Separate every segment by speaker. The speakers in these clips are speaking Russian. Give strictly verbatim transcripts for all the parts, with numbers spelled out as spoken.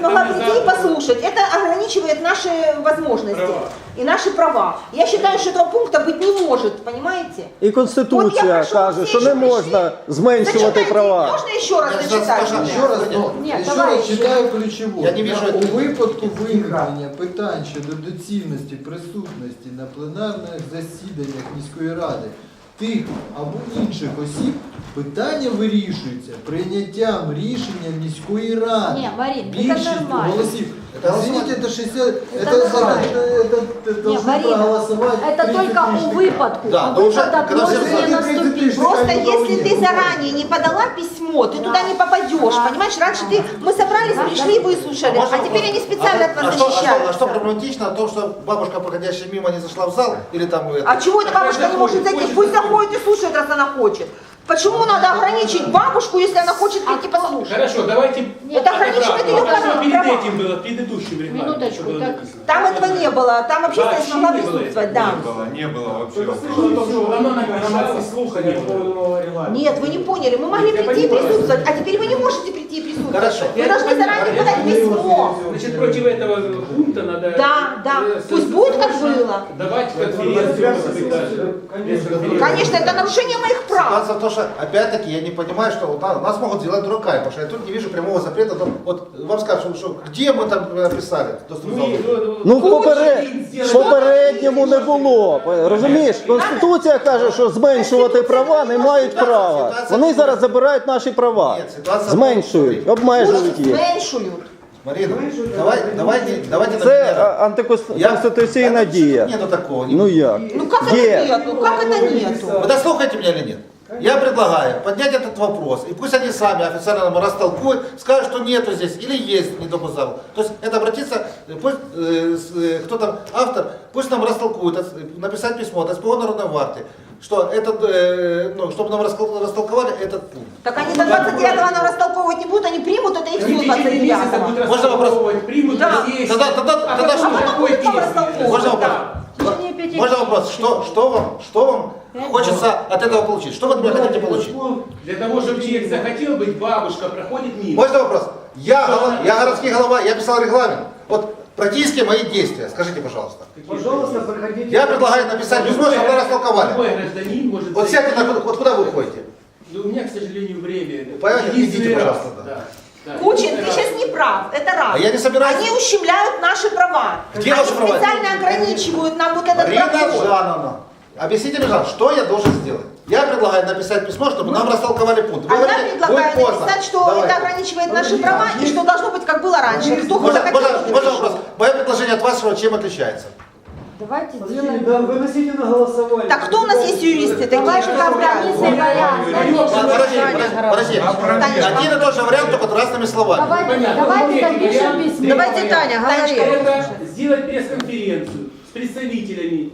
Speaker 1: смогла прийти и послушать. Это ограничивает наши возможности
Speaker 2: Права.
Speaker 1: и наши права. Я считаю, что этого пункта быть не может, понимаете?
Speaker 3: І Конституція каже, що не можна зменшувати
Speaker 1: Зачитайте,
Speaker 3: права.
Speaker 1: можно еще раз
Speaker 4: Я сейчас
Speaker 1: зачитать?
Speaker 4: скажу.
Speaker 5: Ще раз, ну,
Speaker 1: Ні,
Speaker 5: ще
Speaker 1: давай.
Speaker 5: раз читаю ключову.
Speaker 4: Я не вижу
Speaker 5: У
Speaker 4: этого.
Speaker 5: випадку виникнення питань щодо доцільності присутності на пленарних засіданнях міської ради тих або інших осіб, питання вирішується прийняттям рішення міської ради.
Speaker 6: Ні, Марин, це
Speaker 5: Більшістю
Speaker 6: нормально.
Speaker 5: голосів.
Speaker 4: Это
Speaker 5: Извините, это шестьдесят,
Speaker 6: Это
Speaker 5: это, это,
Speaker 6: нормально.
Speaker 5: это, это
Speaker 6: Не,
Speaker 5: должны
Speaker 6: Марина,
Speaker 5: проголосовать
Speaker 6: это
Speaker 5: тридцать
Speaker 6: только у
Speaker 5: лишних.
Speaker 6: выпадку.
Speaker 4: Да,
Speaker 6: а
Speaker 4: но уже,
Speaker 6: выпадок
Speaker 4: когда все
Speaker 6: может
Speaker 4: знают,
Speaker 6: не
Speaker 5: тридцать
Speaker 6: наступить.
Speaker 5: тысяч.
Speaker 1: Просто
Speaker 5: Такая
Speaker 1: если ты
Speaker 5: удобнее.
Speaker 1: заранее не подала письмо, ты туда не попадешь,
Speaker 6: Да.
Speaker 1: понимаешь? Раньше ты, мы собрались, пришли, выслушали, а теперь они специально
Speaker 4: а,
Speaker 1: от
Speaker 4: а,
Speaker 1: нас
Speaker 4: что, а, что, а что
Speaker 1: защищаются.
Speaker 4: проблематично в том, что бабушка, проходящая мимо, не зашла в зал? Или там... это-
Speaker 1: А чего эта бабушка не может зайти? Пусть заходит и слушает, раз она хочет. Почему надо ограничить бабушку, если она хочет прийти послушать?
Speaker 2: Хорошо, давайте...
Speaker 1: Это ограничивает ее
Speaker 2: А что
Speaker 1: права.
Speaker 2: перед этим было, в предыдущем регламенте?
Speaker 6: Минуточку,
Speaker 2: что было
Speaker 6: так.
Speaker 2: написано?
Speaker 1: Там этого не было, там общественность
Speaker 2: Вообще
Speaker 1: могла
Speaker 2: не было
Speaker 1: присутствовать,
Speaker 2: этого?
Speaker 1: да.
Speaker 7: Не было, не было вообще.
Speaker 2: Оно награждало слухания.
Speaker 1: Нет, вы не поняли, мы могли
Speaker 2: Я
Speaker 1: прийти и
Speaker 2: понимаю.
Speaker 1: присутствовать, а теперь вы не можете прийти и присутствовать.
Speaker 4: Хорошо.
Speaker 1: Вы должны заранее подать письмо.
Speaker 2: Значит, против этого пункта надо...
Speaker 1: Да, да,
Speaker 2: э,
Speaker 1: пусть будет, как было.
Speaker 2: Давать конференцию, может быть, даже. Пресс-конференцию.
Speaker 1: Конечно, это нарушение моих прав.
Speaker 4: Ситуация в том, что, опять-таки, я не понимаю, что вот на- нас могут сделать дураками, потому что я тут не вижу прямого запрета. Там, вот вам скажут, что, что где мы там э, писали? доступ к залу?
Speaker 3: Ну, в попере- в попередньому не було. Розумієш, Конституція каже, що зменшувати права не мають права. Вони зараз забирають наші права. Зменшують, обмежують їх.
Speaker 1: Зменшують.
Speaker 4: Марина, давай, давайте, давайте на
Speaker 3: Це
Speaker 4: меня.
Speaker 3: а, антиконституційна
Speaker 4: Я-
Speaker 3: дія.
Speaker 4: Нету такого.
Speaker 3: Ну як?
Speaker 1: Ну как это
Speaker 3: Є.
Speaker 1: нету? Как это нету?
Speaker 4: Вы дослушаете меня или нет? Я предлагаю поднять этот вопрос, и пусть они сами официально нам растолкуют, скажут, что нету здесь, или есть недопуск зала. То есть это обратиться, пусть э, с- э, кто там автор, пусть нам растолкует, ос- написать письмо от СПО Народной Варты, что этот, э, ну, чтобы нам раскол- растолковали этот пункт.
Speaker 1: Так они до двадцать девятого нам растолковывать не будут, они примут это и все
Speaker 2: В течение
Speaker 1: двадцать
Speaker 2: месяца
Speaker 1: девятого.
Speaker 2: будут
Speaker 4: Можно вопрос?
Speaker 2: распаковывать, примут
Speaker 1: Да.
Speaker 2: здесь.
Speaker 4: Тогда, тогда,
Speaker 2: А
Speaker 4: тогда
Speaker 2: какой-
Speaker 4: что?
Speaker 2: какой
Speaker 1: потом
Speaker 2: песни?
Speaker 1: растолковывать.
Speaker 4: Можно вопрос?
Speaker 6: В течение пяти
Speaker 4: Можно
Speaker 6: дней.
Speaker 4: вопрос? Что, что вам, что вам хочется от этого получить? Что вы от меня хотите получить?
Speaker 2: Для того, чтобы человек захотел быть, бабушка проходит мимо.
Speaker 4: Можно вопрос? Я, голова- я городский голова, я писал регламент. Вот практически мои действия. Скажите, пожалуйста.
Speaker 8: Пожалуйста, проходите.
Speaker 4: Я предлагаю написать письмо, чтобы вы растолковали.
Speaker 2: Любой гражданин может...
Speaker 4: Вот
Speaker 2: зайти.
Speaker 4: сядьте, на, вот куда вы ходите?
Speaker 2: Ну, у меня, к сожалению, время.
Speaker 4: Понятно,
Speaker 2: Единственный
Speaker 4: идите,
Speaker 2: раз.
Speaker 4: пожалуйста, да.
Speaker 2: Да, да.
Speaker 1: Кучин,
Speaker 2: Единственный
Speaker 1: ты
Speaker 2: раз.
Speaker 1: сейчас не прав, это раз.
Speaker 4: А я не собираюсь.
Speaker 1: Они ущемляют наши права.
Speaker 4: Где
Speaker 1: Они
Speaker 4: ваши права?
Speaker 1: специально ограничивают нам вот этот
Speaker 4: Марина
Speaker 1: проход.
Speaker 4: Жановна, объясните мне, пожалуйста, что я должен сделать? Я предлагаю написать письмо, чтобы нам растолковали пункт. Вы
Speaker 1: А я
Speaker 4: говорите,
Speaker 1: предлагаю
Speaker 4: будет поздно.
Speaker 1: написать, что
Speaker 4: Давайте.
Speaker 1: это ограничивает наши права и что должно быть как было раньше. Кто
Speaker 4: Можно,
Speaker 1: захотел,
Speaker 4: можно,
Speaker 1: тот и
Speaker 4: можно
Speaker 1: пришел.
Speaker 4: вопрос? Мое предложение от вашего чем отличается?
Speaker 6: Давайте
Speaker 8: Подождите,
Speaker 6: сделаем...
Speaker 8: да, выносите на голосование.
Speaker 1: Так кто у нас есть юристы такие,
Speaker 6: Давайте
Speaker 1: что
Speaker 6: компромиссный вариант.
Speaker 4: Подожди, подожди, подожди.
Speaker 1: Танечка.
Speaker 4: Один и тот же вариант, только разными словами.
Speaker 6: Давайте,
Speaker 2: Понятно.
Speaker 6: давайте
Speaker 2: Ну,
Speaker 6: напишем
Speaker 2: вариант.
Speaker 6: письмо.
Speaker 1: Давайте, Таня, говори.
Speaker 2: Это сделать пресс-конференцию с представителями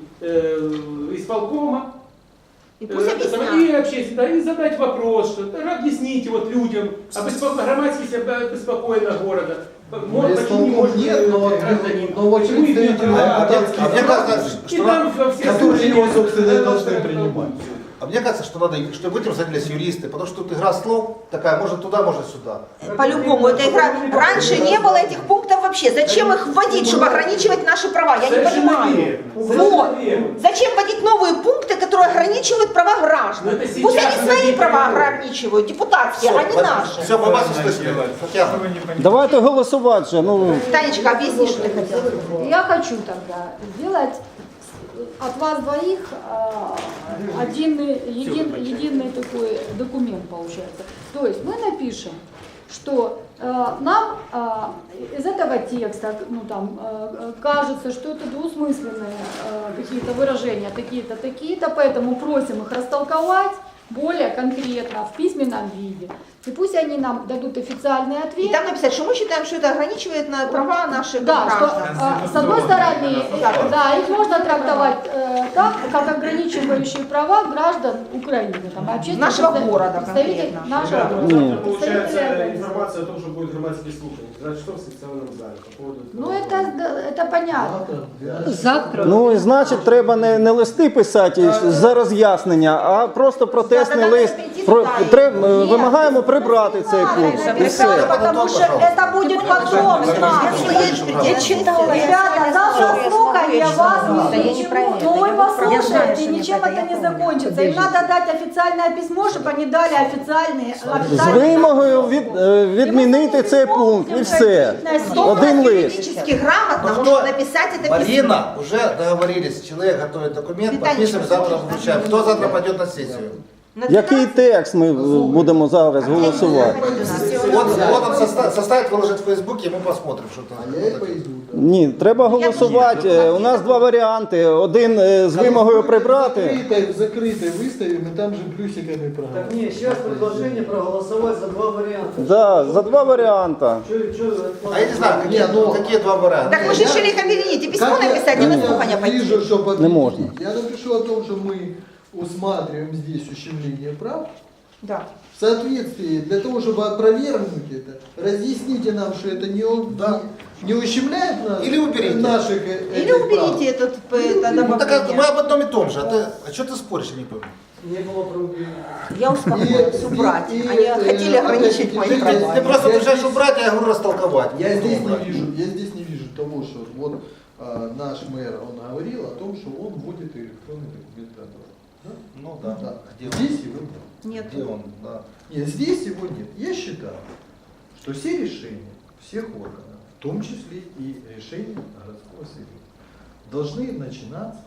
Speaker 2: э, исполкома.
Speaker 1: И пусть
Speaker 2: Э,
Speaker 1: объясняют.
Speaker 2: И общественно, и задать вопрос, что да, объясните вот людям, обеспо- громадский себя обеспокоена города.
Speaker 5: Ну,
Speaker 2: Почему
Speaker 5: исполком
Speaker 2: не может
Speaker 5: нет, но-
Speaker 2: гражданин?
Speaker 5: но вот
Speaker 2: Почему
Speaker 5: представители
Speaker 2: имеет право?
Speaker 5: депутатских
Speaker 4: А мне кажется,
Speaker 2: И
Speaker 4: что
Speaker 2: там
Speaker 4: надо,
Speaker 2: во все
Speaker 5: которые
Speaker 2: случаи
Speaker 5: его, собственно, и
Speaker 2: это
Speaker 5: должны
Speaker 2: это-
Speaker 5: принимать.
Speaker 4: а мне кажется, что надо, чтобы этим занялись юристы, потому что тут игра слов такая, может туда, может сюда.
Speaker 1: По-любому, это игра. Раньше не было этих пунктов вообще. Зачем их вводить, чтобы ограничивать наши права? Я не
Speaker 2: Совершенно
Speaker 1: понимаю.
Speaker 2: верно.
Speaker 1: Вот.
Speaker 2: Совершенно верно.
Speaker 1: Зачем вводить новые пункты, которые ограничивают права граждан?
Speaker 2: Но это сейчас
Speaker 1: Пусть они свои
Speaker 2: вводить
Speaker 1: права
Speaker 2: не надо.
Speaker 1: ограничивают, депутатские, а не наши.
Speaker 4: Все, мы вас услышали. Татьяна.
Speaker 3: Давайте голосувати же. Ну,
Speaker 1: Танечка, объясни, что ты хотела.
Speaker 6: Я хочу тогда сделать от вас двоих а, один, един, единый такой документ получается. То есть мы напишем, что э, нам э, из этого текста, ну там, э, кажется, что это двусмысленные э, какие-то выражения, такие-то, такие-то, поэтому просим их растолковать более конкретно в письменном виде. И пусть они нам дадут официальный
Speaker 1: И
Speaker 6: ответ.
Speaker 1: там написать, что мы считаем, что это ограничивает на права наших
Speaker 6: Да, что
Speaker 1: граждан.
Speaker 6: э, с одной стороны, да, их можно трактовать э, так, как ограничивающие права граждан Украины, там, общественных
Speaker 1: Нашего
Speaker 6: представ-
Speaker 1: города
Speaker 6: представителей
Speaker 1: конкретно.
Speaker 6: нашего
Speaker 7: Да,
Speaker 6: города.
Speaker 7: завтра
Speaker 6: представителей
Speaker 7: получается
Speaker 6: организаций.
Speaker 7: информация о том, что будет громадские слушания. Значит, что в секционном зале по поводу...
Speaker 6: Ну это, да, это понятно.
Speaker 3: ну і значить, треба не, не листи писати за роз'яснення, а просто про те, протестний
Speaker 1: Надо
Speaker 3: лист.
Speaker 1: перейти
Speaker 3: Про,
Speaker 1: туда.
Speaker 3: тре- е, вимагаємо прибрати цей пункт. І все.
Speaker 6: Потому что это будет потом.
Speaker 1: Я читала.
Speaker 6: Ребята, завтра слухание вас
Speaker 1: Да я не
Speaker 6: ничего.
Speaker 1: про это,
Speaker 6: Ну вы
Speaker 1: я вот про- Я знаю,
Speaker 6: послушайте,
Speaker 1: что
Speaker 6: ничем
Speaker 1: нет, это
Speaker 6: это
Speaker 1: я
Speaker 6: не
Speaker 1: помню.
Speaker 6: закончится. Им надо дать официальное письмо, чтобы они дали официальные.
Speaker 3: З
Speaker 6: официальные-
Speaker 3: вимогою від, е, відмінити цей пункт і все. Один лист.
Speaker 1: Юридически грамотно
Speaker 4: Ну,
Speaker 1: может
Speaker 4: кто?
Speaker 1: написать это письмо.
Speaker 4: Марина, уже договорились, человек готовит документ,
Speaker 1: Виталий,
Speaker 4: подписываем,
Speaker 1: что
Speaker 4: завтра
Speaker 1: хочешь,
Speaker 4: вручаем. Кто завтра пойдет на сессию?
Speaker 1: На
Speaker 3: Який
Speaker 1: двенадцать
Speaker 3: текст ми е, будемо зараз голосувати?
Speaker 4: Вот, вот он соста- составит, выложит в Фейсбуке, и мы посмотрим, что там.
Speaker 5: А я и пойду. Да.
Speaker 3: Ні, треба голосувати. Е, У нас два варіанти. Один е, з вимогою прибрати.
Speaker 5: Закрытой, закрытой выставим, и там же плюсиками
Speaker 8: Так
Speaker 5: проголосуем.
Speaker 8: не, сейчас предложение проголосовать за два варианта.
Speaker 3: Да, за два варіанти.
Speaker 8: Чё- чё
Speaker 4: А я не знаю, какие,
Speaker 5: Не, ну-
Speaker 4: какие два варианта.
Speaker 1: Так мы же решили их объединить и письмо
Speaker 5: Как я-
Speaker 1: написать, и
Speaker 5: как
Speaker 1: на
Speaker 5: я
Speaker 1: слухания пойти.
Speaker 5: вижу, что победить?
Speaker 3: Не можно.
Speaker 5: Я напишу о том, что мы усматриваем здесь ущемление прав.
Speaker 1: Да.
Speaker 5: В соответствии, для того, чтобы опровергнуть это, разъясните нам, что это не, у-
Speaker 4: Да.
Speaker 5: не ущемляет нас,
Speaker 4: Или уберите.
Speaker 5: наших э,
Speaker 1: Или
Speaker 5: этих
Speaker 1: уберите этот, это
Speaker 4: Ну так а мы
Speaker 1: добавление.
Speaker 4: об одном и том же. А, ты, а что ты споришь, я не пойму.
Speaker 8: Не было проблем.
Speaker 1: Я успокоилась, убрать. Они хотели ограничить мои
Speaker 5: опять-таки,
Speaker 1: права.
Speaker 4: Ты просто
Speaker 5: Я
Speaker 4: приезжаешь
Speaker 5: здесь-
Speaker 4: убрать, а я говорю растолковать.
Speaker 5: Я здесь не
Speaker 4: Убрать.
Speaker 5: вижу, я здесь не вижу того, что вот а, наш мэр, он говорил о том, что он будет электронный документ готовить. Да?
Speaker 4: Ну да.
Speaker 5: Да.
Speaker 4: Где он?
Speaker 5: Здесь его нет.
Speaker 1: Нет.
Speaker 4: Где он? Да.
Speaker 5: Нет, здесь его нет. Я считаю, что все решения всех органов, в том числе и решения городского совета, должны начинаться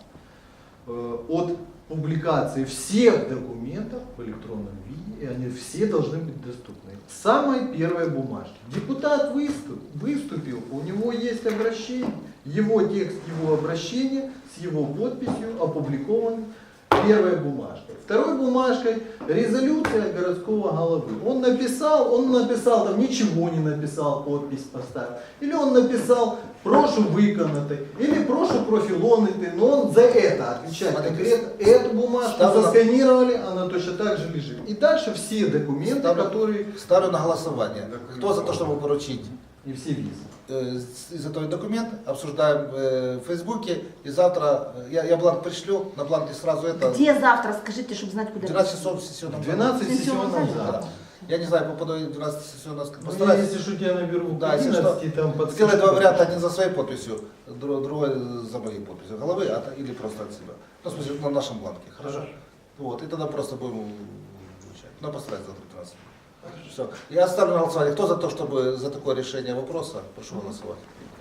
Speaker 5: э, от публикации всех документов в электронном виде, и они все должны быть доступны. Самой первой бумажки. Депутат выступ, выступил, у него есть обращение, его текст его обращения с его подписью опубликован первой бумажкой. Второй бумажкой резолюция городского головы. Он написал, он написал, там ничего не написал, подпись поставил. Или он написал прошу виконати, или прошу профилонити, но он за это отвечает
Speaker 4: Смотрите,
Speaker 5: конкретно. Эту бумажку
Speaker 4: ставлю на-
Speaker 5: засканировали, она точно так же лежит. И дальше все документы,
Speaker 4: Ставлю,
Speaker 5: которые...
Speaker 4: ставлю на голосование. Кто за то, чтобы поручить
Speaker 5: И все визы.
Speaker 4: э, за твой документ, обсуждаем э, в Фейсбуке, и завтра э, я, я бланк пришлю, на бланке сразу это...
Speaker 1: Где завтра, скажите, чтобы знать, куда.
Speaker 4: двенадцать часов в сессионном
Speaker 5: В
Speaker 4: зале.
Speaker 5: двенадцать
Speaker 1: Сессионном
Speaker 5: сессионном
Speaker 1: зале.
Speaker 5: зале.
Speaker 4: Я не знаю, попаду в двенадцать сессионного
Speaker 5: Ну, я,
Speaker 4: постараюсь.
Speaker 5: если что, тебя наберу в
Speaker 4: Да, если что,
Speaker 5: одиннадцати, там под
Speaker 4: сделай два варианта, один за своей подписью, дру- другой за моей подписью головы, а, то- или просто от себя. Ну, в смысле, на нашем бланке, хорошо? Вот, и тогда просто будем вручать. Ну, постараюсь завтра в двенадцать. Все. Я ставлю на голосование. Кто за то, чтобы за такое решение вопроса, прошу голосовать.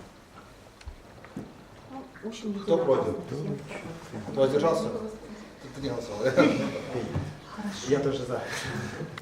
Speaker 1: Очень
Speaker 4: Кто против? Кто воздержался? Ты не голосовал.
Speaker 7: Я тоже за.